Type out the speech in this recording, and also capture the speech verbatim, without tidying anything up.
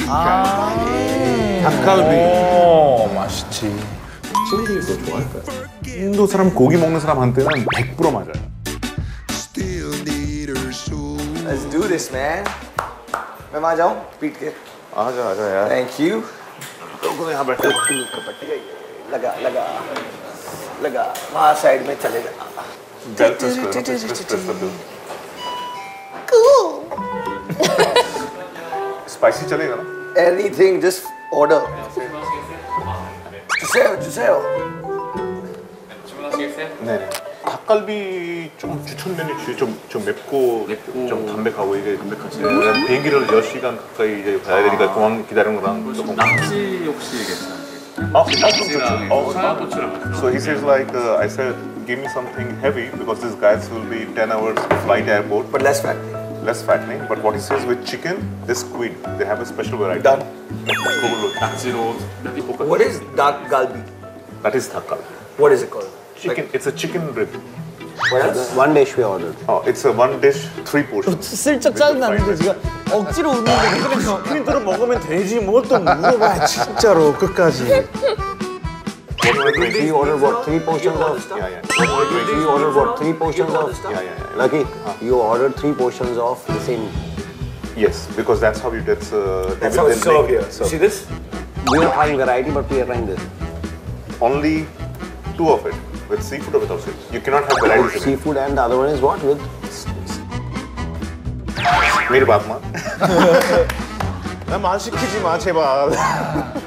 닭갈비. 오, 맛있지. 친구들이 그거 좋아할까요? 인도 사람 고기 먹는 사람한테는 백 퍼센트 맞아요. Let's do this, man. मैं वहाँ जाऊँ पीट के. आजा आजा यार. Thank you. लोगों ने यहाँ बैठे लगा लगा लगा वहाँ साइड में चले जा. बेल प्रेस करो, प्रेस प्रेस प्रेस कर दो. स्पाइसी चलेगा ना? Anything, just order. 주세요, 주세요. 주문하시겠어요? 네. 닭갈비 좀 추천 메뉴 주 좀 좀 맵고, 맵고 좀 담백하고 이게 담백하지. 네, 비행기를 몇 시간 가까이 이제 가야 되니까 공항 기다리는 거랑 조금. 낙지 혹시 괜찮아요? 어? 낙지랑 어, 청양고추랑. So he says like uh, I said, give me something heavy because these guys will be ten hours flight airport, But less fat. less fattening. But what he says with chicken, this squid, they have a special variety. Done. 그걸로 낙지로 볶아. What is dark galbi? That is 닭갈비. What is it called? Chicken. It's a chicken rib. What else? One dish we ordered. Oh, it's a one dish, three portions. 슬쩍 짜증나는데 지금 억지로 웃는 거네. 그래서 프린트로 먹으면 되지 뭘 또 물어봐 진짜로 끝까지. We ordered what, three portions of? Yeah, yeah. We ordered what, three portions of? Yeah, yeah, yeah. Lucky, you ordered three portions of the same. Yes, because that's how you get. Uh, That's they how will it's then served make here. it served. See this? We are trying variety, but we are trying this. Only two of it, with seafood or without seafood. You cannot have varieties in it. Seafood and the other one is what with? मेरी बात मान. 나 말 시키지 마 제발.